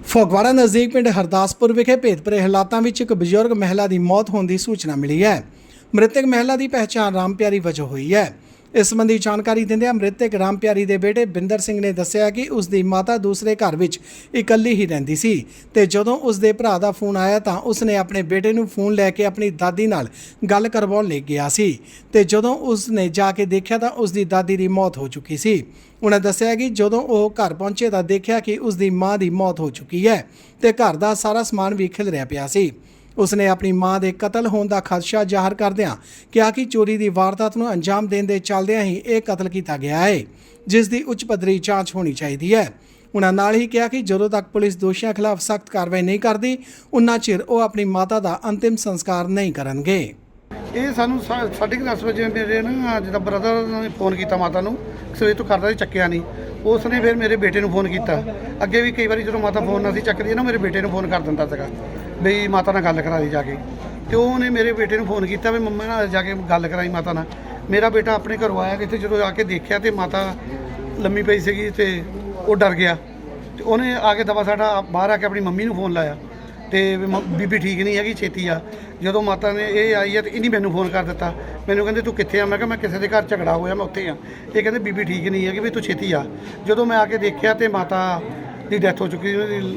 ਫਗਵਾੜਾ ਨਜ਼ਦੀਕ ਪਿੰਡ ਹਰਦਾਸਪੁਰ ਵਿਖੇ ਭੇਦਭਰੇ ਹਾਲਾਤਾਂ ਵਿੱਚ ਇੱਕ ਬਜ਼ੁਰਗ ਮਹਿਲਾ ਦੀ ਮੌਤ ਹੋਣ ਦੀ ਸੂਚਨਾ ਮਿਲੀ ਹੈ। ਮ੍ਰਿਤਕ ਮਹਿਲਾ ਦੀ ਪਹਿਚਾਣ ਰਾਮ ਪਿਆਰੀ ਵਜੋਂ ਹੋਈ ਹੈ। ਇਸ ਸੰਬੰਧੀ ਜਾਣਕਾਰੀ ਦਿੰਦਿਆਂ ਮ੍ਰਿਤਕ ਰਾਮ ਪਿਆਰੀ ਦੇ ਬੇਟੇ ਬਿੰਦਰ ਸਿੰਘ ਨੇ ਦੱਸਿਆ ਕਿ ਉਸ ਦੀ ਮਾਤਾ ਦੂਸਰੇ ਘਰ ਵਿੱਚ ਇਕੱਲੀ ਹੀ ਰਹਿੰਦੀ ਸੀ ਤੇ ਜਦੋਂ ਉਸ ਦੇ ਭਰਾ ਦਾ ਫੋਨ ਆਇਆ ਤਾਂ ਉਸ ਨੇ ਆਪਣੇ ਬੇਟੇ ਨੂੰ ਫੋਨ ਲੈ ਕੇ ਆਪਣੀ ਦਾਦੀ ਨਾਲ ਗੱਲ ਕਰਵਾਉਣ ਲਈ ਗਿਆ ਸੀ ਤੇ ਜਦੋਂ ਉਸ ਨੇ ਜਾ ਕੇ ਦੇਖਿਆ ਤਾਂ ਉਸ ਦੀ ਦਾਦੀ ਦੀ ਮੌਤ ਹੋ ਚੁੱਕੀ ਸੀ। ਉਹਨਾਂ ਦੱਸਿਆ ਕਿ ਜਦੋਂ ਉਹ ਘਰ ਪਹੁੰਚੇ ਤਾਂ ਦੇਖਿਆ ਕਿ ਉਸ ਦੀ ਮਾਂ ਦੀ ਮੌਤ ਹੋ ਚੁੱਕੀ ਹੈ ਤੇ ਘਰ ਦਾ ਸਾਰਾ ਸਮਾਨ ਵੀ ਖਿਲਰਿਆ ਪਿਆ ਸੀ। ਉਸਨੇ ਆਪਣੀ ਮਾਂ ਦੇ ਕਤਲ ਹੋਣ ਦਾ ਖਦਸ਼ਾ ਜ਼ਾਹਰ ਕਰਦਿਆਂ ਕਿਹਾ ਕਿ ਚੋਰੀ ਦੀ ਵਾਰਦਾਤ ਨੂੰ ਅੰਜਾਮ ਦੇਣ ਦੇ ਚੱਲਦਿਆਂ ਹੀ ਇਹ ਕਤਲ ਕੀਤਾ ਗਿਆ ਹੈ, ਜਿਸ ਦੀ ਉੱਚ ਪੱਧਰੀ ਜਾਂਚ ਹੋਣੀ ਚਾਹੀਦੀ ਹੈ। ਉਹਨਾਂ ਨਾਲ ਹੀ ਕਿਹਾ ਕਿ ਜਦੋਂ ਤੱਕ ਪੁਲਿਸ ਦੋਸ਼ੀਆਂ ਖਿਲਾਫ ਸਖਤ ਕਾਰਵਾਈ ਨਹੀਂ ਕਰਦੀ ਉਨਾ ਚਿਰ ਉਹ ਆਪਣੀ ਮਾਤਾ ਦਾ ਅੰਤਿਮ ਸੰਸਕਾਰ ਨਹੀਂ ਕਰਨਗੇ। ਇਹ ਸਾਨੂੰ 10:30 ਵਜੇ ਮੇਰੇ ਨਾ ਜਿਹਦਾ ਬ੍ਰਦਰ ਨੇ ਫੋਨ ਕੀਤਾ ਮਾਤਾ ਨੂੰ, ਸਵੇਰ ਤੋਂ ਕਰਦਾ ਸੀ, ਚੱਕਿਆ ਨਹੀਂ। ਉਸ ਨੇ ਫਿਰ ਮੇਰੇ ਬੇਟੇ ਨੂੰ ਫੋਨ ਕੀਤਾ। ਅੱਗੇ ਵੀ ਕਈ ਵਾਰੀ ਜਦੋਂ ਮਾਤਾ ਫੋਨ ਨਾ ਸੀ ਚੱਕਦੀ ਨਾ, ਮੇਰੇ ਬੇਟੇ ਨੂੰ ਫੋਨ ਕਰ ਦਿੰਦਾ ਸੀਗਾ ਬਈ ਮਾਤਾ ਨਾਲ ਗੱਲ ਕਰਾ ਦੀ ਜਾ ਕੇ। ਅਤੇ ਉਹਨੇ ਮੇਰੇ ਬੇਟੇ ਨੂੰ ਫੋਨ ਕੀਤਾ ਵੀ ਮੰਮਾ ਨਾਲ ਜਾ ਕੇ ਗੱਲ ਕਰਾਈ ਮਾਤਾ ਨਾਲ। ਮੇਰਾ ਬੇਟਾ ਆਪਣੇ ਘਰੋਂ ਆਇਆ ਇੱਥੇ, ਜਦੋਂ ਆ ਕੇ ਦੇਖਿਆ ਤਾਂ ਮਾਤਾ ਲੰਮੀ ਪਈ ਸੀਗੀ ਅਤੇ ਉਹ ਡਰ ਗਿਆ ਅਤੇ ਉਹਨੇ ਆ ਕੇ ਦਵਾ ਸਾਡਾ ਬਾਹਰ ਆ ਕੇ ਆਪਣੀ ਮੰਮੀ ਨੂੰ ਫੋਨ ਲਾਇਆ ਅਤੇ ਬੀਬੀ ਠੀਕ ਨਹੀਂ ਹੈਗੀ, ਛੇਤੀ ਆ। ਜਦੋਂ ਮਾਤਾ ਨੇ ਇਹ ਆਈ ਹੈ ਅਤੇ ਇਹਨੇ ਮੈਨੂੰ ਫੋਨ ਕਰ ਦਿੱਤਾ। ਮੈਨੂੰ ਕਹਿੰਦੇ ਤੂੰ ਕਿੱਥੇ ਆ? ਮੈਂ ਕਿਹਾ ਮੈਂ ਕਿਸੇ ਦੇ ਘਰ ਝਗੜਾ ਹੋਇਆ, ਮੈਂ ਉੱਥੇ ਆ। ਇਹ ਕਹਿੰਦੇ ਬੀਬੀ ਠੀਕ ਨਹੀਂ ਹੈਗੀ ਵੀ ਤੂੰ ਛੇਤੀ ਆ। ਜਦੋਂ ਮੈਂ ਆ ਕੇ ਦੇਖਿਆ ਤਾਂ ਮਾਤਾ ਦੀ ਡੈਥ ਹੋ ਚੁੱਕੀ, ਉਹਦੀ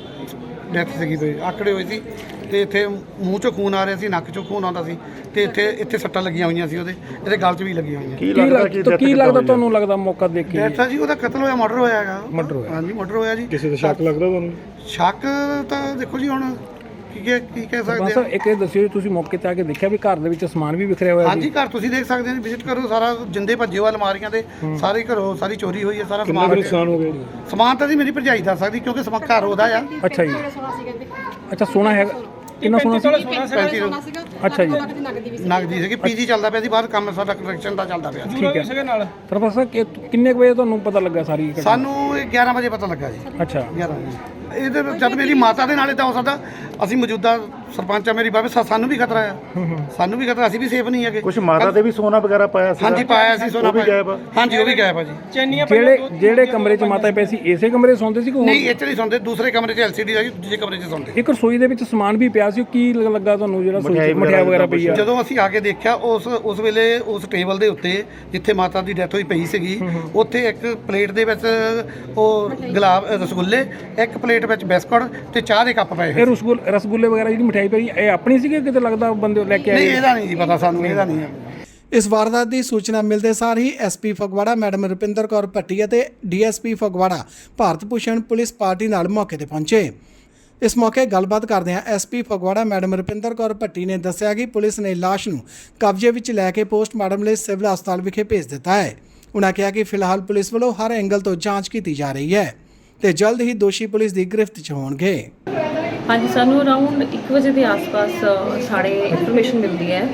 ਡੈਥ ਸੀਗੀ ਤੇ ਆਕੜੇ ਹੋਏ ਸੀ ਅਤੇ ਇੱਥੇ ਮੂੰਹ 'ਚੋਂ ਖੂਨ ਆ ਰਿਹਾ ਸੀ, ਨੱਕ 'ਚੋਂ ਖੂਨ ਆਉਂਦਾ ਸੀ ਅਤੇ ਇੱਥੇ ਸੱਟਾਂ ਲੱਗੀਆਂ ਹੋਈਆਂ ਸੀ, ਇਹਦੇ ਗਲ 'ਚ ਵੀ ਲੱਗੀਆਂ ਹੋਈਆਂ। ਕੀ ਲੱਗਦਾ ਤੁਹਾਨੂੰ? ਲੱਗਦਾ ਮੌਕਾ ਦੇਖ ਕੇ ਡੈਥ ਆ ਜੀ, ਉਹਦਾ ਕਤਲ ਹੋਇਆ, ਮਰਡਰ ਹੋਇਆ ਹੈਗਾ। ਮਰਡਰ ਹੋਇਆ? ਹਾਂਜੀ ਮਰਡਰ ਹੋਇਆ ਜੀ। ਕਿਸੇ ਦਾ ਸ਼ੱਕ ਲੱਗਦਾ ਤੁਹਾਨੂੰ? ਸ਼ੱਕ ਤਾਂ ਦੇਖੋ ਜੀ ਹੁਣ ਕੀ ਕਹਿ ਸਕਦੇ ਸਰ ਇੱਕ ਇਹ ਦੱਸਿਓ, ਤੁਸੀਂ ਮੌਕੇ ਤੇ ਆ ਕੇ ਦੇਖਿਆ ਵੀ ਘਰ ਦੇ ਵਿੱਚ ਸਮਾਨ ਵੀ ਵਿਖਰਿਆ ਹੋਇਆ? ਹਾਂਜੀ ਘਰ ਤੁਸੀਂ ਦੇਖ ਸਕਦੇ ਹੋ, ਵਿਜ਼ਿਟ ਕਰੋ, ਸਾਰਾ ਜਿੰਦੇ ਭੱਜੇ ਹੋਏ ਅਲਮਾਰੀਆਂ ਦੇ ਸਾਰੇ ਘਰੋਂ ਸਾਰੀ ਚੋਰੀ ਹੋਈ ਹੈ, ਸਾਰਾ ਸਮਾਨ। ਨੁਕਸਾਨ ਹੋ ਗਿਆ? ਸਮਾਨ ਤਾਂ ਜੀ ਮੇਰੀ ਭਰਜਾਈ ਦੱਸ ਸਕਦੀ ਕਿਉਂਕਿ ਘਰ ਉਹਦਾ ਆ। ਅੱਛਾ ਜੀ, ਅੱਛਾ ਸੋਨਾ ਹੈਗਾ? ਕਿੰਨਾ ਸੋਨਾ ਸੀ? 35 ਅੱਛਾ ਜੀ, ਨਗਦੀ ਸੀਗੀ। ਪੀਜੀ ਚੱਲਦਾ ਪਿਆ ਸੀ ਬਾਹਰ, ਕੰਮ ਸਾਡਾ ਕੰਸਟਰਕਸ਼ਨ ਦਾ ਚੱਲਦਾ ਪਿਆ। ਠੀਕ ਹੈ। ਪ੍ਰੋਫੈਸਰ ਕਿੰਨੇ ਵਜੇ ਤੁਹਾਨੂੰ ਪਤਾ ਲੱਗਾ ਸਾਰੀ? ਸਾਨੂੰ 11 ਵਜੇ ਪਤਾ ਲੱਗਾ ਜੀ। ਅੱਛਾ 11 ਵਜੇ। ਇਹਦੇ ਜਦ ਮੇਰੀ ਮਾਤਾ ਦੇ ਨਾਲ ਤਾਂ ਹੋ ਸਕਦਾ, ਅਸੀਂ ਮੌਜੂਦਾ ਸਰਪੰਚ ਆ ਮੇਰੀ ਬਾਬੇ, ਸਾਨੂੰ ਵੀ ਖਤਰਾ ਆ, ਸਾਨੂੰ ਵੀ ਖਤਰਾ, ਅਸੀਂ ਵੀ ਸੇਫ ਨਹੀਂ ਹੈਗੇ। ਕੁਝ ਮਾਤਾ ਦੇ ਵੀ ਸੋਨਾ ਵਗੈਰਾ ਪਾਇਆ ਸੀ? ਹਾਂਜੀ ਪਾਇਆ ਸੀ ਸੋਨਾ, ਹਾਂਜੀ ਉਹ ਵੀ ਗਾਇਬ ਆ ਜੀ। ਜਿਹੜੇ ਕਮਰੇ 'ਚ ਮਾਤਾ ਪਈ ਸੀ ਇਸੇ ਕਮਰੇ 'ਚ ਸੌਂਦੇ ਸੀ ਕਿ ਨਹੀਂ? ਇੱਥੇ ਨਹੀਂ ਸੌਂਦੇ, ਦੂਸਰੇ ਕਮਰੇ 'ਚ LCD ਆ ਜੀ, ਦੂਜੇ ਕਮਰੇ 'ਚ ਸੌਂਦੇ। ਇੱਕ ਰਸੋਈ ਦੇ ਵਿੱਚ ਸਮਾਨ ਵੀ ਪਿਆ ਸੀ, ਕੀ ਲੱਗਾ ਤੁਹਾਨੂੰ ਜਿਹੜਾ ਮਠਿਆਈ ਵਗੈਰਾ ਪਈ ਆ? ਜਦੋਂ ਅਸੀਂ ਆ ਕੇ ਦੇਖਿਆ ਉਸ ਵੇਲੇ ਉਸ ਟੇਬਲ ਦੇ ਉੱਤੇ ਜਿੱਥੇ ਮਾਤਾ ਦੀ ਡੈਥ ਹੋਈ ਪਈ ਸੀਗੀ, ਉੱਥੇ ਇੱਕ ਪਲੇਟ ਦੇ ਵਿੱਚ ਉਹ ਰਸਗੁੱਲੇ, ਇੱਕ ਪਲੇਟ ਵਿੱਚ ਬਿਸਕੁਟ ਤੇ ਚਾਹ ਦੇ ਕੱਪ ਪਏ। ਇਹ ਰਸਗੁੱਲੇ ਵਗੈਰਾ ਜਿਹੜੀ ਮਠਿਆਈ ਪਈ ਇਹ ਆਪਣੀ ਸੀ ਕਿ ਕਿਤੇ ਲੱਗਦਾ ਬੰਦੇ ਲੈ ਕੇ ਆਏ? ਨਹੀਂ ਇਹਦਾ ਨਹੀਂ ਜੀ ਪਤਾ ਸਾਨੂੰ, ਇਹਦਾ ਨਹੀਂ ਹੈ। ਇਸ ਵਾਰਦਾਤ ਦੀ ਸੂਚਨਾ ਮਿਲਦੇ ਸਾਰ ਹੀ ਐਸਪੀ ਫਗਵਾੜਾ ਮੈਡਮ ਰੁਪਿੰਦਰ ਕੌਰ ਭੱਟੀ ਅਤੇ DSP Phagwara Bharat Bhushan police party ਨਾਲ ਮੌਕੇ ਤੇ ਪਹੁੰਚੇ। ਇਸ ਮੌਕੇ ਗੱਲਬਾਤ ਕਰਦਿਆਂ ਐਸਪੀ ਫਗਵਾੜਾ ਮੈਡਮ ਰੁਪਿੰਦਰ ਕੌਰ ਭੱਟੀ ਨੇ ਦੱਸਿਆ ਕਿ ਪੁਲਿਸ ਨੇ ਲਾਸ਼ ਨੂੰ ਕਬਜ਼ੇ ਵਿੱਚ ਲੈ ਕੇ ਪੋਸਟਮਾਰਟਮ ਲਈ ਸਿਵਲ ਹਸਪਤਾਲ ਵਿਖੇ ਭੇਜ ਦਿੱਤਾ ਹੈ। ਉਨ੍ਹਾਂ ਕਿਹਾ ਕਿ ਫਿਲਹਾਲ ਪੁਲਿਸ ਵੱਲੋਂ ਹਰ ਐਂਗਲ ਤੋਂ ਜਾਂਚ ਕੀਤੀ ਜਾ ਰਹੀ ਹੈ ਤੇ ਜਲਦ ਹੀ ਦੋਸ਼ੀ ਪੁਲਿਸ ਦੀ ਗ੍ਰਿਫਤ 'ਚ ਹੋਣਗੇ। ਹਾਂਜੀ, ਸਾਨੂੰ ਅਰਾਊਂਡ 1 ਵਜੇ ਦੇ ਆਸ-ਪਾਸ ਸਾਡੇ ਇਨਫੋਰਮੇਸ਼ਨ ਮਿਲਦੀ ਹੈ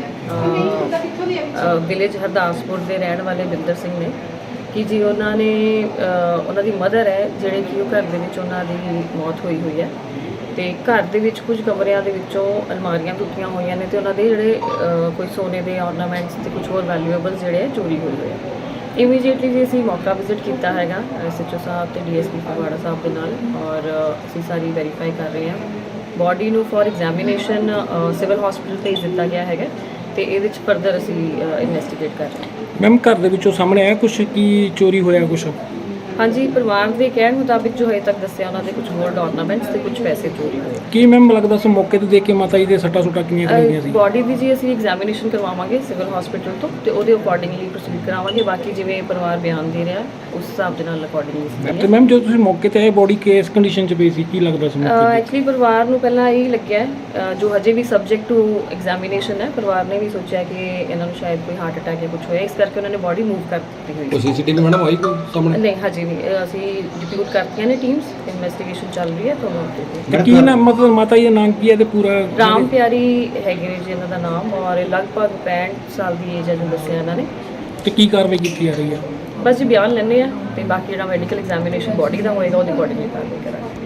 ਵਿਲੇਜ ਹਰਦਾਸਪੁਰ ਦੇ ਰਹਿਣ ਵਾਲੇ ਬਿੰਦਰ ਸਿੰਘ ਨੇ ਕਿ ਜੀ ਉਹਨਾਂ ਦੀ ਮਦਰ ਹੈ ਜਿਹੜੇ ਕਿ ਉਹ ਘਰ ਦੇ ਵਿੱਚ ਉਹਨਾਂ ਦੀ ਮੌਤ ਹੋਈ ਹੈ ਤੇ ਘਰ ਦੇ ਵਿੱਚ ਕੁਝ ਕਮਰਿਆਂ ਦੇ ਵਿੱਚੋਂ ਅਲਮਾਰੀਆਂ ਟੁੱਟੀਆਂ ਹੋਈਆਂ ਨੇ ਤੇ ਉਹਨਾਂ ਦੇ ਜਿਹੜੇ ਕੋਈ ਸੋਨੇ ਦੇ ਆਰਨਾਮੈਂਟਸ ਤੇ ਕੁਝ ਹੋਰ ਵੈਲਿਊਏਬਲਸ ਜਿਹੜੇ ਚੋਰੀ ਹੋਏ ਆ। ਇਮੀਡੀਏਟਲੀ ਜੀ ਅਸੀਂ ਮੌਕਾ ਵਿਜ਼ਿਟ ਕੀਤਾ ਹੈਗਾ SHO ਸਾਹਿਬ ਤੇ DSP ਫਗਵਾੜਾ ਸਾਹਿਬ ਦੇ ਨਾਲ ਔਰ ਅਸੀਂ ਸਾਰੀ ਵੈਰੀਫਾਈ ਕਰ ਰਹੇ ਹਾਂ। ਬੋਡੀ ਨੂੰ ਫॉर ਐਗਜ਼ਾਮੀਨੇਸ਼ਨ ਸਿਵਲ ਹਸਪੀਟਲ ਭੇਜ ਦਿੱਤਾ ਗਿਆ ਹੈਗਾ ਤੇ ਇਹਦੇ ਵਿੱਚ ਫਰਦਰ ਅਸੀਂ ਇਨਵੈਸਟੀਗੇਟ ਕਰ ਰਹੇ ਹਾਂ। ਮੈਮ ਘਰ ਦੇ ਵਿੱਚੋਂ ਸਾਹਮਣੇ ਆਇਆ ਕੁਝ ਕੀ ਚੋਰੀ ਹੋਇਆ ਕੁਝ? ਹਾਂਜੀ, ਪਰਿਵਾਰ ਦੇ ਕਹਿਣ ਮੁਤਾਬਿਕ ਜੋ ਹਜੇ ਤੱਕ ਦੱਸਿਆ ਉਹਨਾਂ ਦੇ ਕੁਝ ਗੋਲਡ ਆਰਨਾਮੈਂਟਸ ਤੇ ਕੁਝ ਪੈਸੇ ਚੋਰੀ ਹੋਏ। ਕੀ ਮੈਮ ਲੱਗਦਾ ਸੀ ਮੌਕੇ ਤੇ ਦੇਖ ਕੇ ਮਾਤਾ ਜੀ ਦੇ ਸੱਟਾਂ ਸੁੱਟਾਂ ਕਿੰਨੀਆਂ ਲੱਗੀਆਂ ਸੀ? ਬੋਡੀ ਦੀ ਜੀ ਅਸੀਂ ਐਗਜ਼ਾਮੀਨੇਸ਼ਨ ਕਰਵਾਵਾਂਗੇ ਸਿਵਲ ਹਸਪੀਟਲ ਤੋਂ ਤੇ ਉਹਦੇ ਅਕੋਰਡਿੰਗਲੀ ਪ੍ਰੋਸੀਡ ਕਰਾਵਾਂਗੇ। ਬਾਕੀ ਜਿਵੇਂ ਪਰਿਵਾਰ ਬਿਆਨ ਦੇ ਰਿਹਾ ਉਸ ਹਿਸਾਬ ਦੇ ਨਾਲ ਅਕੋਰਡਿੰਗਲੀ। ਤੇ ਮੈਮ ਜਦੋਂ ਤੁਸੀਂ ਮੌਕੇ ਤੇ ਆਏ ਬੋਡੀ ਕਿਸ ਕੰਡੀਸ਼ਨ 'ਚ ਪਈ ਸੀ, ਕੀ ਲੱਗਦਾ ਸੀ? ਐਕਚੁਅਲੀ ਪਰਿਵਾਰ ਨੂੰ ਪਹਿਲਾਂ ਇਹ ਲੱਗਿਆ ਜੋ ਹਜੇ ਵੀ ਸਬਜੈਕਟ ਟੂ ਐਗਜ਼ਾਮੀਨੇਸ਼ਨ ਹੈ, ਪਰਿਵਾਰ ਨੇ ਵੀ ਸੋਚਿਆ ਕਿ ਇਹਨਾਂ ਨੂੰ ਸ਼ਾਇਦ ਕੋਈ ਹਾਰਟ ਅਟੈਕ ਜਾਂ ਕੁਝ ਹੋਇਆ, ਇਸ ਕਰਕੇ ਉਹਨਾਂ ਨੇ ਬੋਡੀ ਮੂਵ ਕਰ ਦਿੱਤੀ ਹੋਈ ਹੈ। CCTV ਮੈਡਮ ਆਈ ਕੋਈ ਸਾਹਮਣੇ? ਨਹੀਂ ਹਜੇ ਨਹੀਂ, ਅਸੀਂ ਡਿਪਿਊਟ ਕਰਤੀਆਂ ਨੇ ਟੀਮਸ, ਇਨਵੈਸਟੀਗੇਸ਼ਨ ਚੱਲ ਰਹੀ ਹੈ ਤੁਹਾਨੂੰ। ਕੀ ਨਾ ਮਤਲਬ ਮਾਤਾ ਜੀ ਦਾ ਨਾਮ ਕੀ ਹੈ ਤੇ ਪੂਰਾ? ਰਾਮ ਪਿਆਰੀ ਹੈਗੇ ਨੇ ਜੀ ਇਹਨਾਂ ਦਾ ਨਾਮ ਔਰ ਲਗਭਗ 65 ਸਾਲ ਦੀ ਏਜ ਹੈ ਜੋ ਦੱਸਿਆ ਇਹਨਾਂ ਨੇ। ਤੇ ਕੀ ਕਾਰਵਾਈ ਕੀਤੀ ਜਾ ਰਹੀ ਹੈ? ਬਸ ਜੀ ਬਿਆਨ ਲੈਣੇ ਆ ਤੇ ਬਾਕੀ ਜਿਹੜਾ ਮੈਡੀਕਲ ਐਗਜ਼ਾਮੀਨੇਸ਼ਨ ਬੋਡੀ ਦਾ ਹੋਏਗਾ ਉਹਦੇ ਅਕੋਰਡਿੰਗਲੀ ਕਾਰਵਾਈ ਕਰਾਂਗੇ।